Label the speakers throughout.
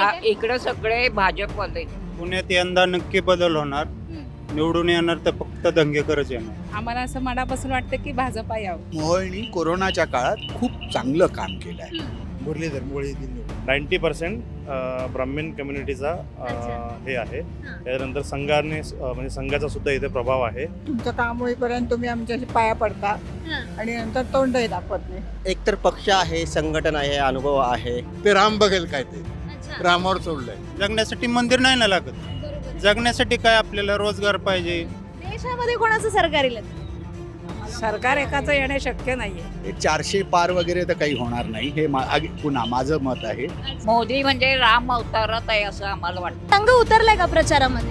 Speaker 1: इकडं सगळे भाजपवाले.
Speaker 2: पुण्यात यंदा नक्की बदल होणार. निवडून येणार तर फक्त दंगेकरच येणार.
Speaker 3: आम्हाला असं मनापासून वाटतं की भाजपा यावं.
Speaker 4: मोहोळनी कोरोनाच्या काळात खूप चांगलं काम केलं आहे. मुरलीधर मोहोळ
Speaker 5: 90% ब्राह्मण कम्युनिटीचा हे आहे. त्यानंतर संघाने म्हणजे संघाचा सुद्धा इथे प्रभाव आहे.
Speaker 3: तुमचं काम होईपर्यंत तुम्ही आमच्याशी पाया पडता आणि नंतर तोंडही दाखवत नाही.
Speaker 6: एकतर पक्ष आहे, संघटन आहे, अनुभव आहे.
Speaker 4: ते राम बघेल काय ते रामावर सोडलंय.
Speaker 2: जगण्यासाठी मंदिर नाही ना लागत. जगण्यासाठी काय आपल्याला रोजगार पाहिजे.
Speaker 7: देशामध्ये कोणाचं सरकार येईल?
Speaker 3: सरकार एकाचं येणे शक्य नाहीये.
Speaker 4: हे 400 पार वगैरे तर काही होणार नाही. हे पुन्हा माझं मत आहे.
Speaker 1: मोदी म्हणजे राम अवतारात आहे असं आम्हाला वाटतं.
Speaker 7: संघ उतरलाय का प्रचारामध्ये?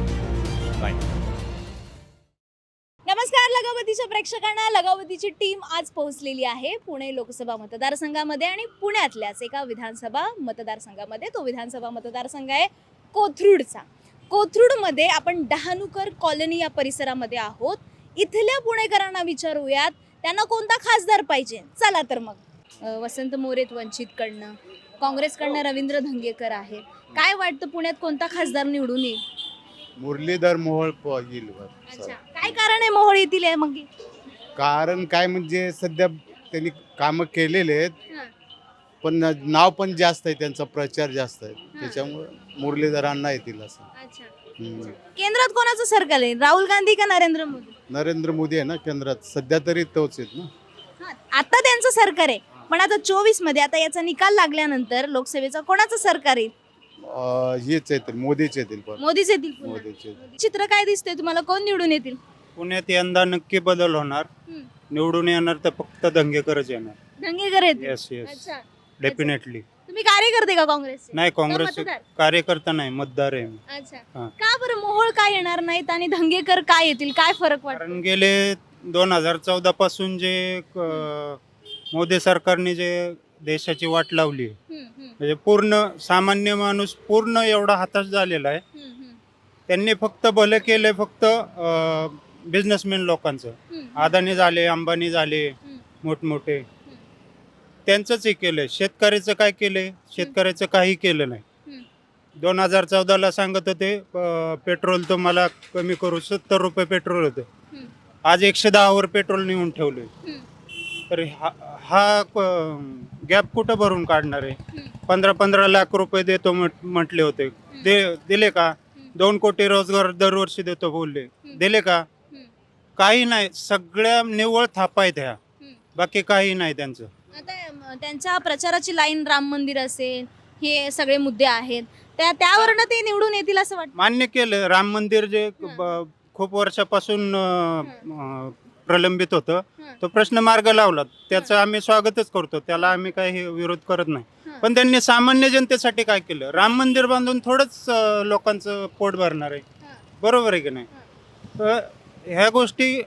Speaker 7: नमस्कार लगावतीच्या प्रेक्षकांना. लगावतीची टीम आज पोहोचलेली आहे पुणे लोकसभा मतदारसंघामध्ये आणि पुण्यातल्याच एका विधानसभा मतदारसंघामध्ये. तो विधानसभा मतदारसंघ आहे कोथरूडचा. कोथरूडमध्ये आपण डहाणूकर कॉलनी या परिसरामध्ये आहोत. इथल्या पुणेकरांना विचारूयात त्यांना कोणता खासदार पाहिजे. चला तर मग वसंत मोरेत वंचितकडनं, काँग्रेसकडनं रवींद्र धंगेकर आहेत. काय वाटतं पुण्यात कोणता खासदार निवडून येईल?
Speaker 4: मुरलीधर मोहोळ येईल.
Speaker 7: अच्छा, काय कारण आहे मोहोळ येथील आहे मग?
Speaker 4: कारण काय म्हणजे सध्या त्यांनी कामं केलेले आहेत,
Speaker 7: हां.
Speaker 4: पण नाव पण जास्त आहे, त्यांचा प्रचार जास्त आहे.
Speaker 7: हां.
Speaker 4: त्याच्यामुळे मुरलीधरांना येतील असं.
Speaker 7: अच्छा.
Speaker 4: हम्म.
Speaker 7: केंद्रात कोणाचं सरकार आहे? राहुल गांधी का नरेंद्र मोदी?
Speaker 4: नरेंद्र मोदी आहे ना केंद्रात, सध्या तरी तोच आहेत ना.
Speaker 7: हां, आता त्यांचं सरकार आहे, पण आता 24 मध्ये आता याचा निकाल लागल्यानंतर लोकसभेचा कोणाचं सरकार येईल?
Speaker 4: हेच येतील, मोदीच येतील. पण
Speaker 7: मोदीच येतील पुन्हा.
Speaker 4: मोदीच येतील.
Speaker 7: चित्र काय दिसतंय तुम्हाला? कोण निवडून येतील?
Speaker 2: पुण्यात यंदा नक्की बदल होणार. निवडून येणार तर फक्त दंगेकरच येणार.
Speaker 7: धंगेकर येतील.
Speaker 2: येस येस,
Speaker 7: अच्छा.
Speaker 2: डेफिनेटली.
Speaker 7: तुम्ही कार्यकर्ते का काँग्रेसचे?
Speaker 2: नाही, काँग्रेस
Speaker 7: का मतदार?
Speaker 2: कार्यकर्ता नाही, मतदार आहे मी.
Speaker 7: अच्छा.
Speaker 2: हां.
Speaker 7: का बरं मोहोळ काय येणार नाहीत आणि धंगेकर काय येतील? काय फरक वाटतो?
Speaker 2: कारण गेले 2014 पासून जे मोदी सरकारने जे देशाची वाट लावली, म्हणजे पूर्ण सामान्य माणूस पूर्ण एवढा हताश झालेला आहे. त्यांनी फक्त भलं केलंय फक्त बिझनेसमॅन लोकांचं. अदानी झाले, अंबानी झाले, मोठमोठे, त्यांचंच हे केलंय. शेतकऱ्याचं काय केलंय? शेतकऱ्याचं काही केलं नाही. 2014ला सांगत होते पेट्रोल तुम्हाला कमी करू, 70 रुपये पेट्रोल होतं. आज 110 वर पेट्रोल नेऊन ठेवलंय. तर हा गॅप कुठं भरून काढणार आहे? 15-15 लाख रुपये देतो म्हटले होते, दिले का? 2 कोटी रोजगार दरवर्षी देतो बोलले, दिले का? काही नाही. सगळ्या निव्वळ थापा आहेत ह्या, बाकी काही नाही त्यांचं.
Speaker 7: आता त्यांच्या प्रचाराची लाईन राम मंदिर असेल, हे सगळे मुद्दे आहेत, त्यावरनं ते निवडून येतील असं वाटतं.
Speaker 2: मान्य केलं. राम मंदिर जे खूप वर्षापासून प्रलंबित होतं, तो प्रश्न मार्ग लावला, त्याचं आम्ही स्वागतच करतो. त्याला आम्ही काही विरोध करत नाही. पण त्यांनी सामान्य जनतेसाठी काय केलं? राम मंदिर बांधून थोडंच लोकांचं पोट भरणार आहे? बरोबर आहे की नाही? तर ह्या गोष्टी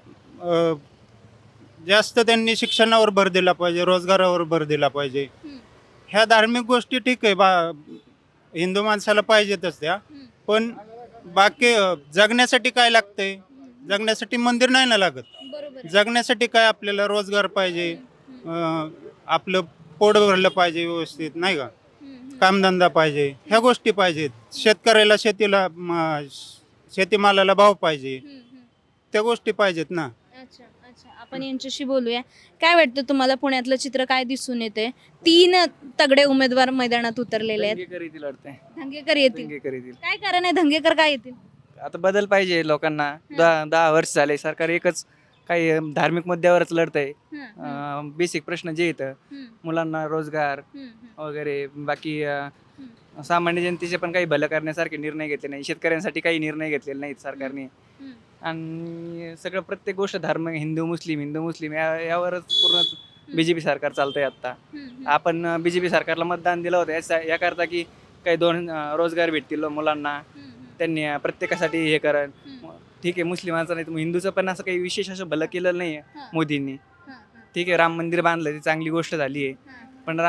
Speaker 2: जास्त त्यांनी शिक्षणावर भर दिला पाहिजे, रोजगारावर भर दिला पाहिजे. ह्या धार्मिक गोष्टी ठीक आहे, हिंदू माणसाला पाहिजेतच त्या. पण बाकी जगण्यासाठी काय लागतंय? जगण्यासाठी मंदिर नाही ना लागत. जगण्यासाठी काय आपल्याला रोजगार पाहिजे, आपलं पोट भरलं पाहिजे व्यवस्थित, नाही का? कामधंदा पाहिजे, ह्या गोष्टी पाहिजेत. शेतकऱ्याला शेतीमालाला भाव पाहिजे, त्या गोष्टी पाहिजेत ना.
Speaker 7: अच्छा अच्छा, आपण यांच्याशी बोलूया. काय वाटतं तुम्हाला, पुण्यातलं चित्र काय दिसून येते? 3 तगडे उमेदवार मैदानात उतरलेले आहेत. धंगेकर येतील. काय कारण आहे धंगेकर काय येतील?
Speaker 8: आता बदल पाहिजे लोकांना. 10 वर्ष झाले सरकार एकच काही धार्मिक मुद्द्यावरच लढत आहे. बेसिक प्रश्न जे येतं, मुलांना रोजगार वगैरे, बाकी सामान्य जनतेचे पण काही भलं करण्यासारखे निर्णय घेतले नाही. शेतकऱ्यांसाठी काही निर्णय घेतलेले नाहीत सरकारने. आणि सगळं प्रत्येक गोष्ट धर्म, हिंदू मुस्लिम यावरच पूर्ण बीजेपी सरकार चालतंय आता. आपण बीजेपी सरकारला मतदान दिलं होतं याकरता की काही 2 रोजगार भेटतील मुलांना, त्यांनी प्रत्येकासाठी हे करण. ठीक आहे, मुस्लिमांचं नाही तर हिंदूचं पण असं काही विशेष असं भलं केलं नाही आहे मोदींनी. ठीक आहे, राम मंदिर बांधलं, ती चांगली गोष्ट झाली आहे. पण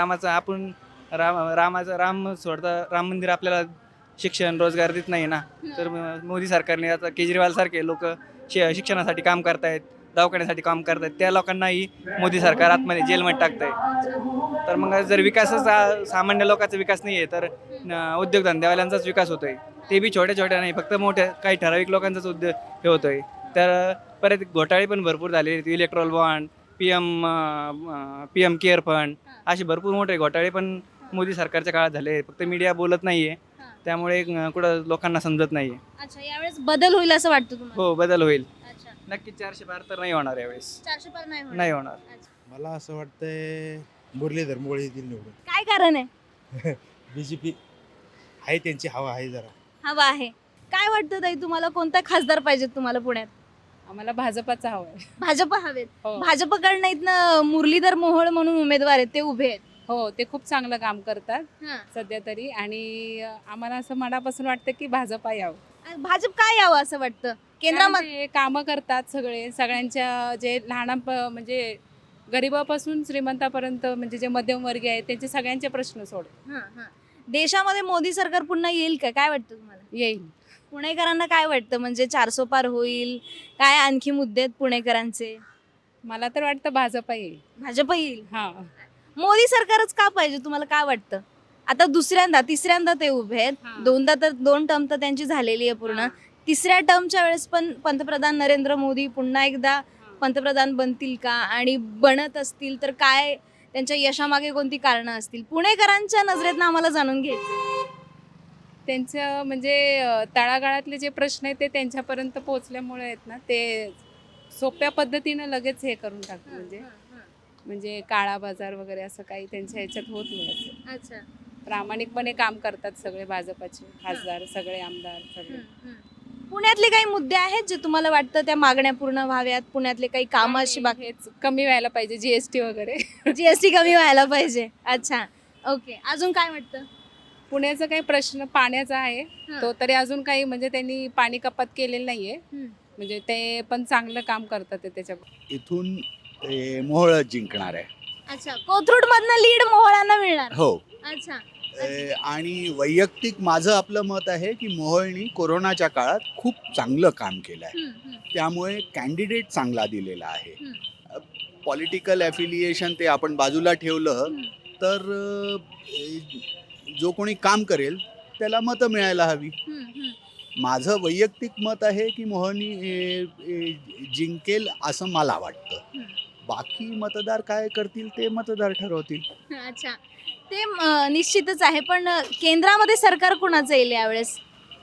Speaker 8: राम सोडता राम मंदिर आपल्याला शिक्षण रोजगार देत नाही ना. तर मोदी सरकारने आता केजरीवाल सारखे लोक शिक्षणासाठी काम करतायत, दवाखान्यासाठी काम करतात त्या लोकांनाही मोदी सरकार आतमध्ये जेलमध्ये टाकतंय. तर मग जर विकासाचा सामान्य लोकांचा विकास नाही आहे तर उद्योगधंद्यावाल्यांचाच विकास होतोय. ते बी छोट्या छोट्या नाही, फक्त मोठ्या काही ठराविक लोकांचाच उद्योग हे होतोय. तर परत घोटाळे पण भरपूर झाले. Electoral bond, P M care fund, असे भरपूर मोठे घोटाळे पण मोदी सरकारच्या काळात झाले. फक्त मीडिया बोलत नाहीये, त्यामुळे कुठं लोकांना समजत नाहीये.
Speaker 7: अच्छा, यावेळेस बदल होईल असं वाटतं तुम्हाला?
Speaker 8: हो, बदल होईल
Speaker 7: अच्छा,
Speaker 8: नक्कीच. 400 पार तर नाही होणार यावेळेस,
Speaker 7: 400 पार नाही होणार.
Speaker 8: नाही होणार.
Speaker 7: अच्छा.
Speaker 9: मला असं वाटतंय मुरलीधर मोहोळ येतील निवडून.
Speaker 7: काय कारण आहे?
Speaker 9: बीजेपी आहे, त्यांची हवा आहे जरा.
Speaker 7: हवा आहे. काय वाटतं ताई तुम्हाला, कोणता खासदार पाहिजेत तुम्हाला पुण्यात?
Speaker 10: आम्हाला भाजपाचा हवा आहे.
Speaker 7: भाजप हवेत.
Speaker 10: हो.
Speaker 7: भाजपकडनं इथनं मुरलीधर मोहोळ म्हणून उमेदवार आहेत, ते उभे आहेत.
Speaker 10: हो, ते खूप चांगलं काम करतात
Speaker 7: हां.
Speaker 10: सध्या तरी. आणि आम्हाला असं मनापासून वाटतं की भाजपा यावं.
Speaker 7: भाजप काय यावं असं वाटतं केंद्रामध्ये?
Speaker 10: कामं करतात सगळ्यांच्या जे म्हणजे गरिबापासून श्रीमंतापर्यंत, म्हणजे जे मध्यमवर्गीय आहेत त्यांचे सगळ्यांचे प्रश्न सोड
Speaker 7: देशामध्ये मोदी सरकार पुन्हा येईल का, काय वाटतं तुम्हाला?
Speaker 10: येईल.
Speaker 7: पुणेकरांना काय वाटतं, म्हणजे 400 पार होईल, काय आणखी मुद्दे आहेत पुणेकरांचे?
Speaker 10: मला तर वाटतं भाजपा येईल.
Speaker 7: भाजप येईल.
Speaker 10: हा,
Speaker 7: मोदी सरकारच का पाहिजे तुम्हाला काय वाटतं? आता दुसऱ्यांदा तिसऱ्यांदा ते उभे आहेत.
Speaker 10: हां.
Speaker 7: दोन टर्म तर त्यांची झालेली आहे पूर्ण. तिसऱ्या टर्मच्या वेळेस पण पंतप्रधान नरेंद्र मोदी पुन्हा एकदा पंतप्रधान बनतील का, आणि बनत असतील तर काय त्यांच्या यशामागे कोणती कारणं असतील? पुणेकरांच्या नजरेतनं आम्हाला जाणून घ्यायचं.
Speaker 10: त्यांचं म्हणजे तळागाळातले जे प्रश्न आहेत ते त्यांच्यापर्यंत पोहोचल्यामुळे आहेत ना, ते सोप्या पद्धतीनं लगेच हे करून टाकतात. म्हणजे काळा बाजार वगैरे असं काही त्यांच्या ह्याच्यात होत नाही. असं
Speaker 7: अच्छा.
Speaker 10: प्रामाणिकपणे काम करतात सगळे भाजपाचे खासदार, सगळे आमदार, सगळे.
Speaker 7: पुण्यातले काही मुद्दे आहेत जे तुम्हाला वाटतं त्या मागण्या पूर्ण व्हाव्यात? पुण्यातले काही कामं अशी बाकी?
Speaker 10: हेच कमी व्हायला पाहिजे, जीएसटी वगैरे.
Speaker 7: जीएसटी कमी व्हायला पाहिजे. अच्छा, ओके. अजून काय वाटतं?
Speaker 10: पुण्याचा काही प्रश्न पाण्याचा आहे, तो तरी अजून काही म्हणजे त्यांनी पाणी कपात केलेलं नाहीये. म्हणजे ते पण चांगलं काम करतात त्याच्या.
Speaker 4: इथून मोहोळ जिंकणार आहे.
Speaker 7: अच्छा, कोथरूड मधनं लीड मोहोळांना मिळणार.
Speaker 4: हो.
Speaker 7: अच्छा.
Speaker 4: आणि वैयक्तिक माझं आपलं मत आहे की मोहोळनी कोरोनाच्या काळात खूप चांगलं काम केलं आहे. त्यामुळे कॅन्डिडेट चांगला दिलेला आहे. पॉलिटिकल ॲफिलिएशन ते आपण बाजूला ठेवलं तर जो कोणी काम करेल त्याला मतं मिळायला हवी. माझं वैयक्तिक मत आहे की मोहोळनी जिंकेल असं मला वाटतं. बाकी मतदार काय करतील ते मतदार ठरवतील.
Speaker 7: अच्छा, ते निश्चितच आहे. पण केंद्रामध्ये सरकार कुणाचं येईल यावेळेस?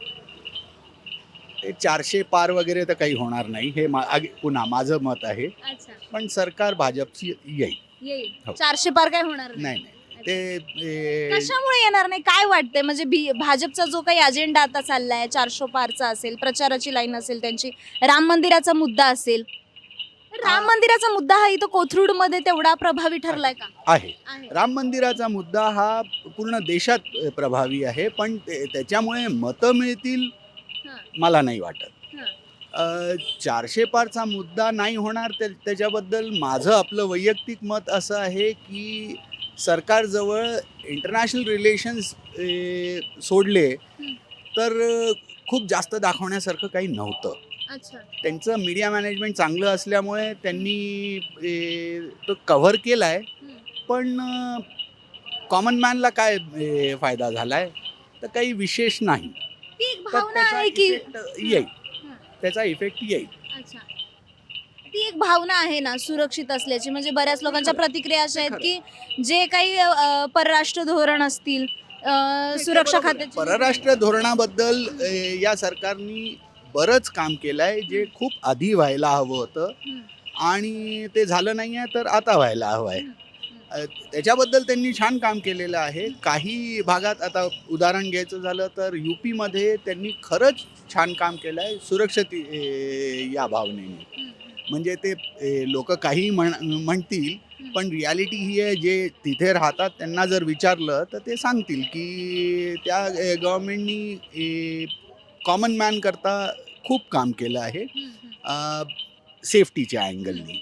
Speaker 4: ते 400 पार वगैरे तर काही होणार नाही, हे पुन्हा माझं मत आहे.
Speaker 7: अच्छा,
Speaker 4: पण सरकार भाजपची येईल.
Speaker 7: येईल.
Speaker 4: हो.
Speaker 7: 400 पार काय होणार नाही?
Speaker 4: नाही ते
Speaker 7: कशामुळे येणार नाही काय वाटतंय? म्हणजे भाजपचा जो काही अजेंडा आता चाललाय, 400 पारचा असेल, प्रचाराची लाईन असेल त्यांची, राम मंदिराचा मुद्दा असेल. राम मंदिराचा मुद्दा हा इथं कोथरूड मध्ये तेवढा प्रभावी ठरलाय का?
Speaker 4: आहे. राम मंदिराचा मुद्दा हा पूर्ण देशात प्रभावी आहे, पण त्याच्यामुळे मतं मिळतील मला नाही वाटत. 400 पारचा मुद्दा नाही होणार त्याच्याबद्दल माझं आपलं वैयक्तिक मत असं आहे की सरकारजवळ इंटरनॅशनल रिलेशन्स सोडले तर खूप जास्त दाखवण्यासारखं काही नव्हतं.
Speaker 7: अच्छा.
Speaker 4: त्यांचं मीडिया मॅनेजमेंट चांगलं असल्यामुळे त्यांनी तो कव्हर केला आहे. पण कॉमन मॅनला काय फायदा झाला आहे तर काही विशेष नाही.
Speaker 7: ती एक
Speaker 4: तर
Speaker 7: भावना
Speaker 4: त्याचा
Speaker 7: आहे की
Speaker 4: इफेक्ट येईल. त्याचा इफेक्ट येईल.
Speaker 7: अच्छा, ती एक भावना आहे ना सुरक्षित असल्याची. म्हणजे बऱ्याच लोकांच्या प्रतिक्रिया अशा आहेत की जे काही परराष्ट्र धोरण असतील, सुरक्षा खात्याची,
Speaker 4: परराष्ट्र धोरणाबद्दल या सरकारने बरंच काम केलं आहे जे खूप आधी व्हायला हवं होतं आणि ते झालं नाही आहे तर आता व्हायला हवं आहे. त्याच्याबद्दल त्यांनी छान काम केलेलं आहे. काही भागात आता उदाहरण घ्यायचं झालं तर यूपीमध्ये त्यांनी खरंच छान काम केलं आहे सुरक्षित या भावनेने. म्हणजे ते लोक काही म्हणतील पण रियालिटी ही आहे, जे तिथे राहतात त्यांना जर विचारलं तर ते सांगतील की त्या गव्हर्मेंटनी कॉमन मॅन करता खूप काम केलं आहे सेफ्टीच्या अँगलनी.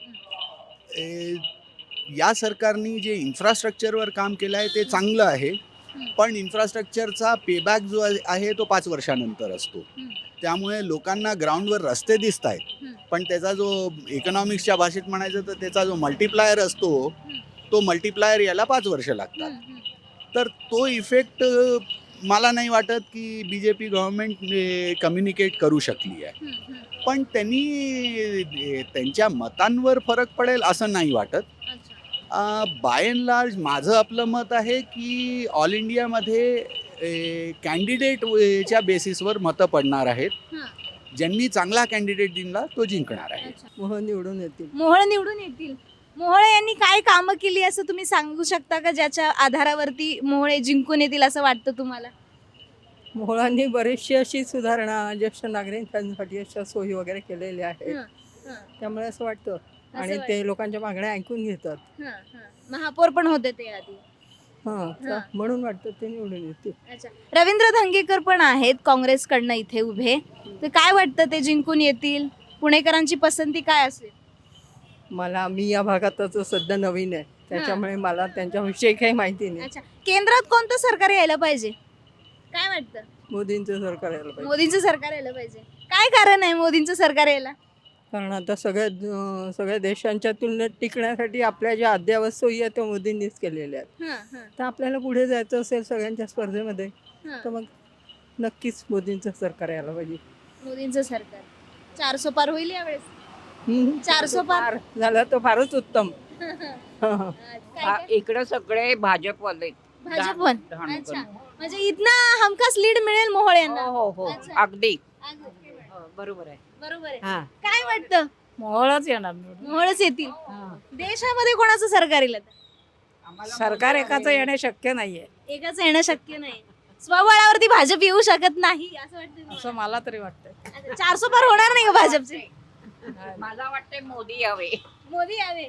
Speaker 4: या सरकारने जे इन्फ्रास्ट्रक्चरवर काम केलं आहे ते चांगलं आहे, पण इन्फ्रास्ट्रक्चरचा पेबॅक जो आहे तो 5 वर्षानंतर असतो. त्यामुळे लोकांना ग्राउंडवर रस्ते दिसत आहेत पण त्याचा जो इकॉनॉमिक्सच्या भाषेत म्हणायचं तर त्याचा जो मल्टिप्लायर असतो तो मल्टिप्लायर याला 5 वर्ष लागतात. तर तो इफेक्ट मला नाही वाटत की BJP गव्हर्नमेंट कम्युनिकेट करू शकली आहे. पण त्यांनी त्यांच्या मतांवर फरक पडेल असं नाही वाटत. बाय अँड लार्ज माझं आपलं मत आहे की ऑल इंडियामध्ये कॅन्डिडेटच्या बेसिसवर मतं पडणार आहेत. ज्यांनी चांगला कॅन्डिडेट दिला तो जिंकणार आहे.
Speaker 3: मोहन निवडून येतील.
Speaker 7: मोहोळ निवडून येतील. मोहोळ यांनी काय कामं केली असं तुम्ही सांगू शकता का, ज्याच्या आधारावरती मोहोळे जिंकून येतील असं वाटतं तुम्हाला?
Speaker 3: मोहळांनी बरीचशी अशी सुधारणा ज्येष्ठ नागरिकांसाठी अशा सोयी वगैरे केलेल्या आहेत. त्यामुळे असं वाटतं आणि ते लोकांच्या मागण्या ऐकून घेतात.
Speaker 7: महापौर पण होते ते आधी.
Speaker 3: हां, म्हणून वाटतं ते निवडून येतील.
Speaker 7: अच्छा, रवींद्र धंगेकर पण आहेत काँग्रेसकडनं इथे उभे. तर काय वाटतं, ते जिंकून येतील? पुणेकरांची पसंती काय असेल?
Speaker 3: मी या भागातच सध्या नवीन आहे, त्याच्यामुळे मला त्यांच्याविषयी काही माहिती नाही.
Speaker 7: अच्छा, केंद्रात कोणतं सरकार यायला पाहिजे काय वाटतं?
Speaker 3: मोदींचं सरकार यायला पाहिजे.
Speaker 7: मोदींचं सरकार यायला पाहिजे. काय कारण आहे मोदींचं सरकार यायला?
Speaker 3: कारण आता सगळ्या देशांच्या तुलनेत टिकण्यासाठी आपल्या ज्या अद्ययावत सोयी आहेत त्या मोदींनीच केलेल्या आहेत. तर आपल्याला पुढे जायचं असेल सगळ्यांच्या स्पर्धेमध्ये तर मग नक्कीच मोदींचं सरकार यायला पाहिजे.
Speaker 7: मोदींचं सरकार 400 पार होईल यावेळेस. 400 पार
Speaker 3: झालं तर फारच उत्तम.
Speaker 1: इकडे सगळे भाजपवाले.
Speaker 7: भाजप पण. अच्छा, म्हणजे इथनं हमखास लीड मिळेल मोहोळ यांना.
Speaker 1: हो
Speaker 7: अच्छा.
Speaker 1: अगदी
Speaker 7: बरोबर आहे.
Speaker 1: हा.
Speaker 7: काय वाटतं?
Speaker 1: मोहळच येणार
Speaker 7: मोहोळच येतील. देशामध्ये कोणाचं सरकार येईल आता?
Speaker 1: सरकार एकाच येणे शक्य नाहीये.
Speaker 7: एकाच येणं शक्य नाही. स्वबळावरती भाजप येऊ शकत नाही असं वाटतं तुम्हाला?
Speaker 1: असं मला तरी वाटतं.
Speaker 7: अच्छा, 400 पार होणार नाही का भाजपचे?
Speaker 1: मला वाटते मोदी यावे.
Speaker 7: मोदी यावे.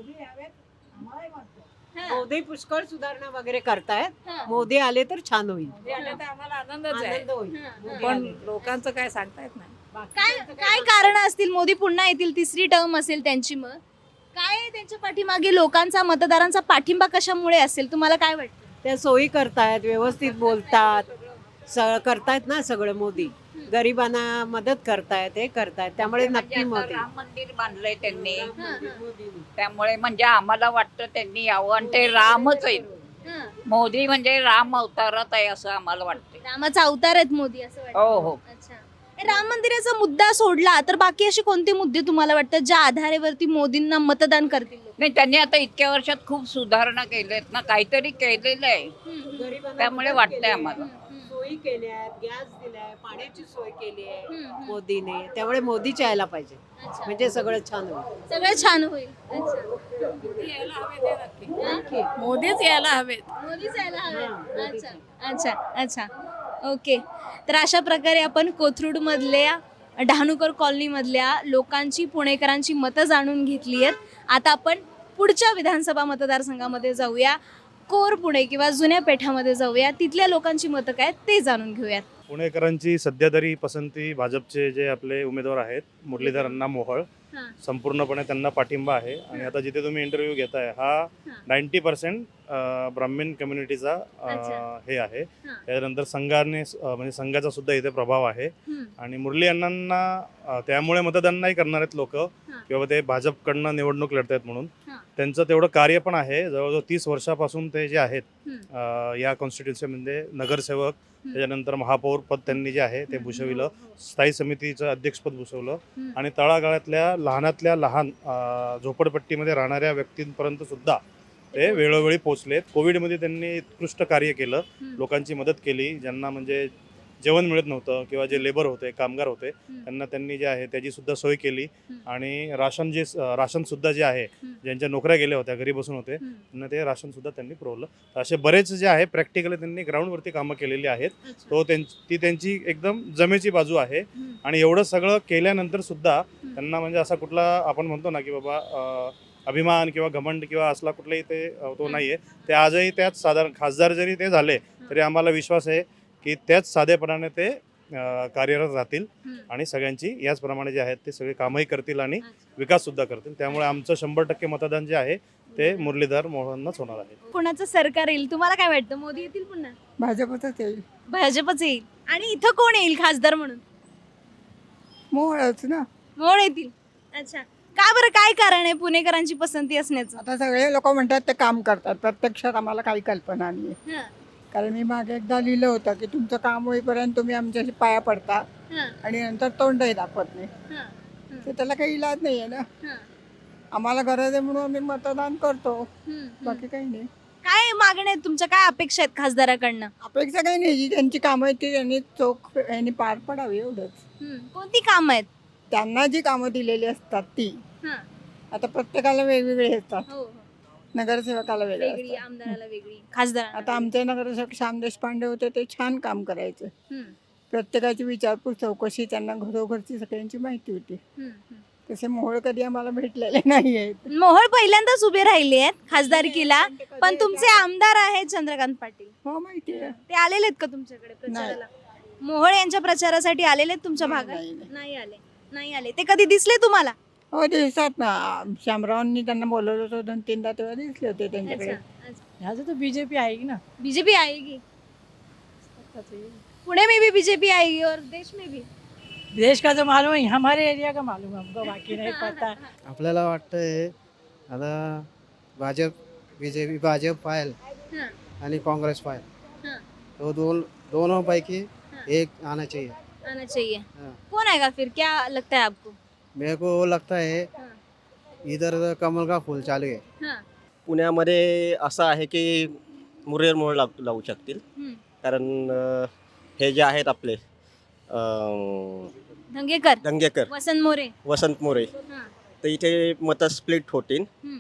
Speaker 7: हा.
Speaker 11: मोदी पुष्कळ सुधारणा वगैरे करतायत.
Speaker 7: हा.
Speaker 11: मोदी आले तर छान होईल.
Speaker 1: आम्हाला आनंदच आहे.
Speaker 11: आनंद होईल.
Speaker 7: हा.
Speaker 1: पण लोकांचं काय सांगता येत नाही.
Speaker 7: काय कारण असतील? मोदी पुन्हा येतील, तिसरी टर्म असेल त्यांची. मग काय त्यांच्या पाठीमागे लोकांचा, मतदारांचा पाठिंबा कशामुळे असेल तुम्हाला काय वाटतं?
Speaker 11: त्या सोयी करतायत, व्यवस्थित बोलतात, करतायत ना सगळं. मोदी गरिबांना मदत करतायत, हे करतायत, त्यामुळे नक्की
Speaker 1: म्हणजे आता
Speaker 11: मोदी.
Speaker 1: राम मंदिर बांधलंय त्यांनी, त्यामुळे म्हणजे आम्हाला वाटतं त्यांनी यावं आणि ते रामच आहेत. मोदी म्हणजे राम अवतारात आहे असं आम्हाला वाटतं.
Speaker 7: रामाचा अवतार आहेत मोदी असं वाटतं.
Speaker 1: हो हो.
Speaker 7: अच्छा, राम मंदिराचा मुद्दा सोडला तर बाकी असे कोणते मुद्दे तुम्हाला वाटतात ज्या आधारेवरती मोदींना मतदान करतील लोक?
Speaker 1: नाही, त्यांनी आता इतक्या वर्षात खूप सुधारणा केल्यात ना, काहीतरी केलेलं आहे.
Speaker 11: गरिबांना
Speaker 1: त्यामुळे
Speaker 11: मदत
Speaker 1: वाटतंय
Speaker 11: केली.
Speaker 1: आम्हाला.
Speaker 11: सोयी केल्या आहेत, गॅस दिलाय, पाण्याची सोय केली आहे मोदीने. त्यामुळे मोदीच यायला पाहिजे, म्हणजे सगळं छान होईल.
Speaker 7: सगळं छान होईल. अच्छा,
Speaker 1: मोदीच यायला हवेत.
Speaker 7: मोदीच यायला हवे. अच्छा अच्छा अच्छा, ओके. तर अशा प्रकारे आपण कोथरूडमधल्या डहाणूकर कॉलनीमधल्या लोकांची, पुणेकरांची मतं जाणून घेतली आहेत. आता आपण पुढच्या विधानसभा मतदारसंघामध्ये जाऊया, कोर पुणे किंवा जुन्या पेठामध्ये जाऊया, तिथल्या लोकांची मतं काय ते जाणून घेऊयात.
Speaker 5: पुणेकरांची सध्या तरी पसंती भाजपचे जे आपले उमेदवार आहेत मुरलीधर अण्णा मोहोळ, संपूर्णपणे त्यांना पाठिंबा आहे. आणि आता जिथे तुम्ही इंटरव्ह्यू घेताय हा 90% ब्राह्मण कम्युनिटीचा हे आहे. त्यानंतर म्हणजे संघाचा सुद्धा इथे प्रभाव आहे. आणि मुरली अण्णांना त्यामुळे मतदान नाही करणार आहेत लोक किंवा ते भाजपकडनं निवडणूक लढतायत म्हणून. त्यांचं तेवढं कार्य पण आहे. जवळजवळ 30 वर्षापासून ते जे आहेत या कॉन्स्टिट्युन्सीमध्ये नगरसेवक, त्याच्यानंतर महापौर पद त्यांनी जे आहे ते भूषविलं, स्थायी समितीचं अध्यक्षपद भूषवलं आणि तळागाळातल्या लहानातल्या लहान झोपडपट्टीमध्ये राहणाऱ्या व्यक्तींपर्यंत सुद्धा ते वेळोवेळी पोहोचलेत. कोविडमध्ये त्यांनी उत्कृष्ट कार्य केलं, लोकांची मदत केली. ज्यांना म्हणजे जेवण मिळत नव्हतं किंवा जे लेबर होते, कामगार होते, त्यांना त्यांनी जे आहे त्याची सुद्धा सोय केली. आणि राशनसुद्धा जे आहे, ज्यांच्या नोकऱ्या गेल्या होत्या, घरी बसून होते, त्यांना ते राशनसुद्धा त्यांनी पुरवलं. असे बरेच जे आहे प्रॅक्टिकली त्यांनी ग्राउंडवरती कामं केलेली आहेत. ती त्यांची एकदम जमेची बाजू आहे. आणि एवढं सगळं केल्यानंतर सुद्धा त्यांना म्हणजे असा कुठला आपण म्हणतो ना की बाबा अभिमान किंवा घमंड किंवा असला कुठलाही तो नाही आहे. ते आजही त्याच साधारण खासदार जरी ते झाले तरी आम्हाला विश्वास आहे की त्याच साधेपणाने ते कार्यरत राहतील आणि सगळ्यांची याचप्रमाणे जे आहेत ते सगळे कामही करतील आणि विकाससुद्धा करतील. त्यामुळे आमचं 100% मतदान जे आहे ते मुरलीधर मोहोळांनाच होणार आहे.
Speaker 7: कोणाचं सरकार येईल तुम्हाला काय वाटतं? मोदी येतील पुन्हा?
Speaker 3: भाजपच येईल.
Speaker 7: भाजपच येईल. आणि इथं कोण येईल खासदार म्हणून?
Speaker 3: मोहळच ना.
Speaker 7: मोहोळ येतील. अच्छा, का बरं, काय कारण आहे पुणेकरांची पसंती असण्याचं?
Speaker 3: आता सगळे लोक म्हणतात ते काम करतात, प्रत्यक्षात आम्हाला काही कल्पना नाही.
Speaker 7: हं,
Speaker 3: कारण मी मागे एकदा लिहिलं होतं की तुमचं काम होईपर्यंत तुम्ही आमच्याशी पाया पडता
Speaker 7: हं,
Speaker 3: आणि नंतर तोंडही दाखवत नाही.
Speaker 7: हं,
Speaker 3: तर त्याला काही इलाज नाही आहे ना.
Speaker 7: हं,
Speaker 3: आम्हाला गरज आहे म्हणून आम्ही मतदान करतो,
Speaker 7: हं.
Speaker 3: बाकी काही नाही.
Speaker 7: काय मागण्या आहेत तुमच्या, काय अपेक्षा आहेत खासदाराकडनं?
Speaker 3: अपेक्षा काही नाही, जी त्यांची कामं आहेत ती त्यांनी चोख यांनी पार पडावी एवढंच.
Speaker 7: कोणती कामं आहेत?
Speaker 3: त्यांना जी कामं दिलेली असतात ती
Speaker 7: हं,
Speaker 3: आता प्रत्येकाला वेगवेगळी असतात.
Speaker 7: हो, हो.
Speaker 3: नगरसेवकाला वेगळे
Speaker 7: वेगळी,
Speaker 3: असतात.
Speaker 7: आमदाराला वेगळी, खासदाराला
Speaker 3: आता आमचे नगरसेवक श्याम देशपांडे होते, ते छान काम करायचे.
Speaker 7: हं,
Speaker 3: प्रत्येकाची विचारपूस चौकशी, त्यांना घरोघरची सगळ्यांची माहिती होती.
Speaker 7: हं, हं.
Speaker 3: तसे मोहोळ कधी आम्हाला भेटलेले नाही आहेत.
Speaker 7: मोहोळ पहिल्यांदाच उभे राहिले आहेत खासदारकीला, पण तुमचे आमदार आहेत चंद्रकांत पाटील.
Speaker 3: हो, माहिती आहे.
Speaker 7: ते आलेले आहेत का तुमच्याकडे प्रचाराला? मोहोळ यांच्या प्रचारासाठी आलेले आहेत तुमच्या भागात?
Speaker 3: नाही, नाही.
Speaker 7: नाही आले. ते कधी दिसले तुम्हाला?
Speaker 3: हो, दिसतात ना. शामरावांनी त्यांना बोलवलं होतं 2-3दा, तेव्हा दिसले होते त्यांच्याकडे.
Speaker 11: ह्याचं तर बीजेपी आहे ना.
Speaker 7: बीजेपी आएगी पुणे में भी, बीजेपी आएगी और देश में भी.
Speaker 11: देश का तो मालूम है, हमारे एरिया का मालूम है, हमको बाकी नहीं पता.
Speaker 9: आपल्याला वाटतंय आता बीजेपी भाजप पाहिल
Speaker 7: हं,
Speaker 9: आणि काँग्रेस पाहिल,
Speaker 7: हं.
Speaker 9: तो दोनों पैकी एक आना चाहिए.
Speaker 7: आना चाहिए.
Speaker 9: हाँ.
Speaker 7: कौन आएगा फिर, क्या लगता है आपको?
Speaker 9: मेरे को लगता है
Speaker 7: हाँ.
Speaker 9: इधर कमल का फूल चालू आहे.
Speaker 7: हाँ.
Speaker 6: पुण्यामध्ये असं आहे की मुरलीधर मोहोळ लावू शकतील.
Speaker 7: हं.
Speaker 6: कारण हे जे आहेत आपले
Speaker 7: धंगेकर,
Speaker 6: दंगेकर,
Speaker 7: वसंत मोरे.
Speaker 6: वसंत मोरे,
Speaker 7: हां.
Speaker 6: तर इथे मतं स्प्लिट होतील.
Speaker 7: हं,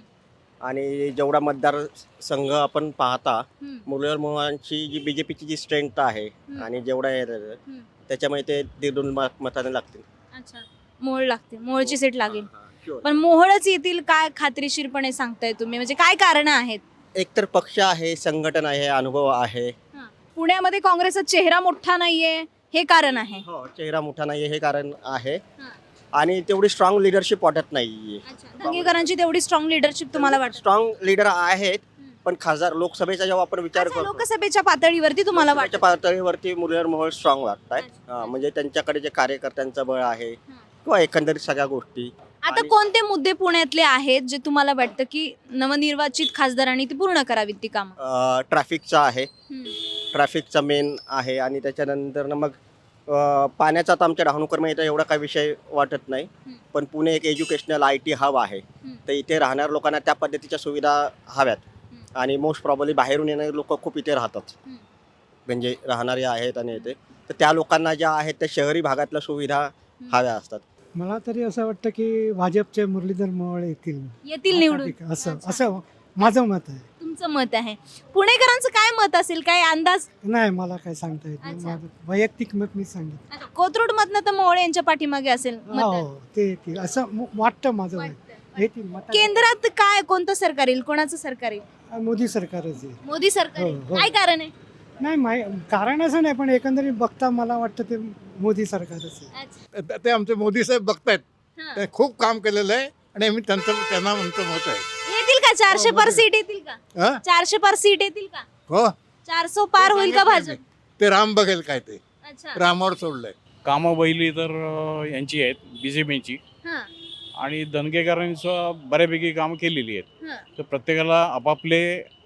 Speaker 6: आणि जेवढा मतदारसंघ आपण पाहता,
Speaker 7: हं,
Speaker 6: मुरलीधर मोहोळांची जी बीजेपीची जी स्ट्रेंथ आहे
Speaker 7: हं.
Speaker 6: आणि जेवढा आहे
Speaker 7: हं.
Speaker 6: त्याच्यामुळे ते 1.5 मताने लागतील.
Speaker 7: अच्छा, मोहोळ लागते, मोहोळची सीट लागेल.
Speaker 6: हां, sure.
Speaker 7: पण मोहोळच येतील काय खात्रीशीरपणे सांगताय तुम्ही, म्हणजे काय कारण आहेत?
Speaker 6: एकतर पक्ष आहे, संघटन आहे, अनुभव आहे.
Speaker 7: पुण्यामध्ये काँग्रेसचा चेहरा मोठा नाहीये, हे कारण आहे.
Speaker 6: हो, चेहरा मोठा नाही हे कारण आहे.
Speaker 7: हां.
Speaker 6: आणि तेवढी स्ट्रॉंग लिडरशिप वाटत नाहीये.
Speaker 7: धंगेकरांची तेवढी स्ट्रॉंग लिडरशिप तुम्हाला वाटतं?
Speaker 6: स्ट्रॉंग लीडर आहेत, पण खासदार लोकसभेचा जेव्हा आपण विचार
Speaker 7: अच्छा,
Speaker 6: करतो,
Speaker 7: लोकसभेच्या पातळीवरती तुम्हाला
Speaker 6: लोकसभेच्या
Speaker 7: वाटतं?
Speaker 6: पातळीवरती मुरलीधर मोहोळ स्ट्रॉंग वाटत
Speaker 7: अच्छा.
Speaker 6: म्हणजे त्यांच्याकडे जे कार्यकर्त्यांचं बळ आहे किंवा एकंदरीत सगळ्या गोष्टी.
Speaker 7: आता कोणते मुद्दे पुण्यातले आहेत जे तुम्हाला वाटतं की नवनिर्वाचित खासदारांनी ती पूर्ण करावीत ती कामं?
Speaker 6: ट्रॅफिकचा आहे, ट्रॅफिकचा मेन आहे. आणि त्याच्यानंतर मग पाण्याचा तर आमच्या डहाणूकरमध्ये इथं एवढा काही विषय वाटत नाही. पण पुणे एक एज्युकेशनल IT हब आहे, तर इथे राहणाऱ्या लोकांना त्या पद्धतीच्या सुविधा हव्यात. आणि मोस्ट प्रॉब्ली बाहेरून येणारे लोक खूप इथे राहतात, म्हणजे राहणारे आहेत. आणि इथे तर त्या लोकांना ज्या आहेत त्या शहरी भागातल्या सुविधा हव्या असतात.
Speaker 9: मला तरी असं वाटतं की भाजपचे मुरलीधर मोहोळ
Speaker 7: येतील निवडून? अच्छा.
Speaker 9: असं माझं मत आहे.
Speaker 7: तुमचं मत आहे. पुणेकरांचं काय मत असेल, काय अंदाज?
Speaker 9: नाही, मला काय सांगता येत
Speaker 7: अच्छा.
Speaker 9: माझं वैयक्तिक मत मी सांगितलं.
Speaker 7: कोथरूड मधनं तर मोहोळ यांच्या पाठीमागे असेल मतदान.
Speaker 9: ते येतील असं वाटतं माझं.
Speaker 7: वाटतं.
Speaker 9: येतील मत.
Speaker 7: केंद्रात काय, कोणतं सरकार येईल, कोणाचं सरकार येईल?
Speaker 9: मोदी सरकारच आहे.
Speaker 7: मोदी सरकार येईल.
Speaker 9: हो, हो.
Speaker 7: काय कारण आहे?
Speaker 9: नाही, कारण असं नाही, पण एकंदरीत बघता मला वाटतं ते मोदी सरकारच आहे.
Speaker 7: अच्छा.
Speaker 12: ते आमचे मोदी साहेब बघतायत,
Speaker 7: हां.
Speaker 12: ते खूप काम केलेलं आहे आणि आम्ही त्यांना म्हणतो मत आहे.
Speaker 7: येतील का 400 पर सीट येतील का?
Speaker 12: हं?
Speaker 7: 400 पर सीट येतील का?
Speaker 12: हो,
Speaker 7: 400 पार होईल का भाजप?
Speaker 12: ते राम बघेल काय ते,
Speaker 7: अच्छा.
Speaker 12: रामावर सोडलंय.
Speaker 5: कामं पहिली तर यांची आहेत, BJPची.
Speaker 7: हां,
Speaker 5: आणि दंगेकरांनी बऱ्यापैकी कामं केलेली आहेत.
Speaker 7: हां.
Speaker 5: तर प्रत्येकाला आपापले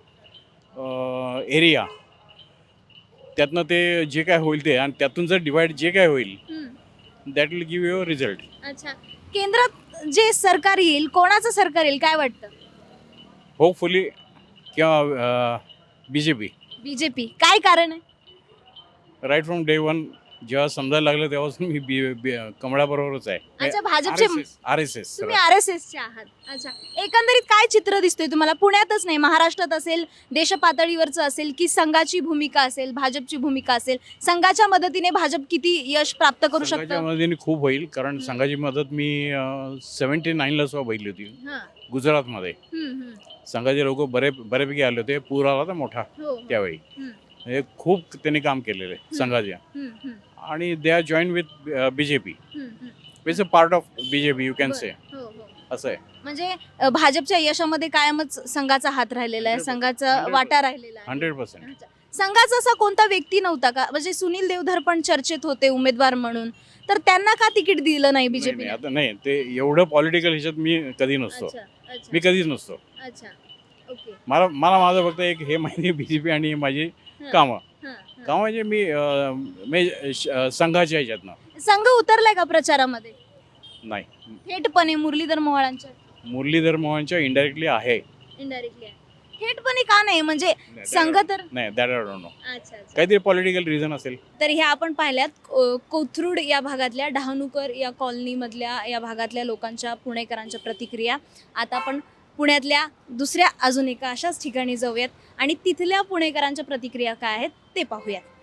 Speaker 5: एरिया, त्यातनं ते जे काय होईल ते, आणि त्यातून जर डिवाइड जे काय होईल
Speaker 7: हम्म.
Speaker 5: That will give your result.
Speaker 7: अच्छा. केंद्रात जे सरकार येईल, कोणाचं सरकार येईल काय वाटतं?
Speaker 5: होपफुली किंवा BJP.
Speaker 7: बीजेपी. काय कारण आहे?
Speaker 5: राईट फ्रॉम डे वन जेव्हा समजायला लागलं तेव्हाच मी कमळाबरोबरच आहे.
Speaker 7: अच्छा, भाजपचे
Speaker 5: RSS.
Speaker 7: तुम्ही RSSचे आहात. अच्छा. एकंदरीत काय चित्र दिसतोय तुम्हाला? पुण्यातच नाही, महाराष्ट्रात असेल, देश पातळीवरचं असेल, की संघाची भूमिका असेल, भाजपची भूमिका असेल, संघाच्या मदतीने भाजप किती यश प्राप्त करू
Speaker 5: संघाच्या
Speaker 7: शकतं?
Speaker 5: मदतीने खूप होईल, कारण संघाची मदत मी 79ला सुद्धा बघितली होती
Speaker 7: हां.
Speaker 5: गुजरातमध्ये.
Speaker 7: हम्म, हम्म.
Speaker 5: संघाचे लोक बऱ्यापैकी आले होते. पूर आला होता मोठा
Speaker 7: हो, हो.
Speaker 5: त्यावेळी.
Speaker 7: हम्म.
Speaker 5: हे खूप त्यांनी काम केलेलं आहे संघाच्या.
Speaker 7: हम्म, हम्म.
Speaker 5: आणि they are join with BJP.
Speaker 7: हम्म, हम्म.
Speaker 5: It's a part of BJP you can say.
Speaker 7: हो, हो.
Speaker 5: असं आहे.
Speaker 7: म्हणजे भाजपच्या यशामध्ये कायमच संघाचा हात राहिलेला आहे,
Speaker 5: 100%.
Speaker 7: संघाचा वाटा राहिलेला आहे.
Speaker 5: 100%.
Speaker 7: अच्छा. संघाचा असा कोणता व्यक्ती नव्हता का, म्हणजे सुनील देवधर पण चर्चेत होते उमेदवार म्हणून, तर त्यांना का तिकीट दिलं नाही बीजेपी?
Speaker 13: आता नाही, ते एवढं पॉलिटिकल ह्याच्यात मी कधी नसतो. मी कधीच नसतो.
Speaker 7: अच्छा, ओके.
Speaker 13: मला माझं फक्त एक हे माहिती बीजेपी आणि माझी कामं जे मी संघाच्या ह्याच्यातनं
Speaker 7: संघ उतरलाय का प्रचारामध्ये
Speaker 13: नाही.
Speaker 7: थेटपणे मुरलीधर मोहोळांच्या?
Speaker 13: मुरलीधर मोहनच्या इनडायरेक्टली आहे.
Speaker 7: इनडायरेक्टली थेटपणे का नाही, म्हणजे संघ तर
Speaker 13: नाही, दॅट आय डोंट नो.
Speaker 7: अच्छा.
Speaker 13: काहीतरी पॉलिटिकल रिझन असेल.
Speaker 7: तर ह्या आपण पाहिल्यात कोथरूड या भागातल्या, डहाणूकर या कॉलनीमधल्या या भागातल्या लोकांच्या, पुणेकरांच्या प्रतिक्रिया. आता आपण पुण्यातल्या दुसऱ्या अजून एका अशाच ठिकाणी जाऊयात आणि तिथल्या पुणेकरांच्या प्रतिक्रिया काय आहेत ते पाहूयात.